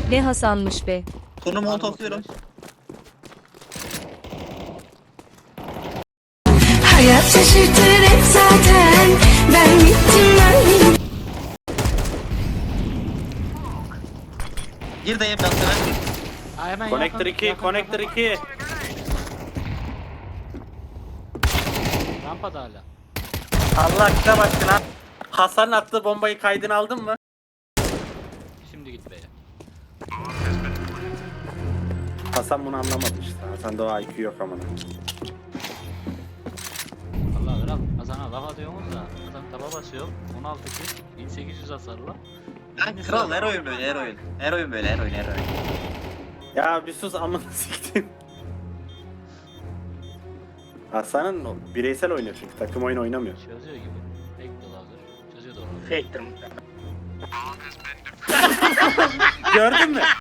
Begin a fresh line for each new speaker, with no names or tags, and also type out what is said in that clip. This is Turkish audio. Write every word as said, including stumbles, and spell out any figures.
Ne Hasan'mış be.
Konu molotofluyorum.
Hayat şaşırtır hep zaten. Ben gittim ben.
Gir dayı biraz sever.
Aa, hemen
Connector
yakın,
iki,
yakın,
Connector
yakın.
iki.
Rampada hala.
Allah kitap aşkına. Hasan'ın attığı bombayı kaydını aldın mı?
Şimdi git be.
Hasan bunu anlamadı işte. Hasan'da o I Q yok amına.
Allah kral. Hasan'a laf atıyorsunuz da. Hasan taba basıyor. on altı kill. bin sekiz yüz hasarla.
Lan kral her oyun böyle her oyun. Her oyun böyle her oyun her oyun.
Ya bir sus amına siktim. Hasan'ın o bireysel oynuyor çünkü takım oyunu oynamıyor.
Çözüyor gibi. Tek dolardır. Çözüyor doğru.
Fake'tir muhtemelen. Gördün mü?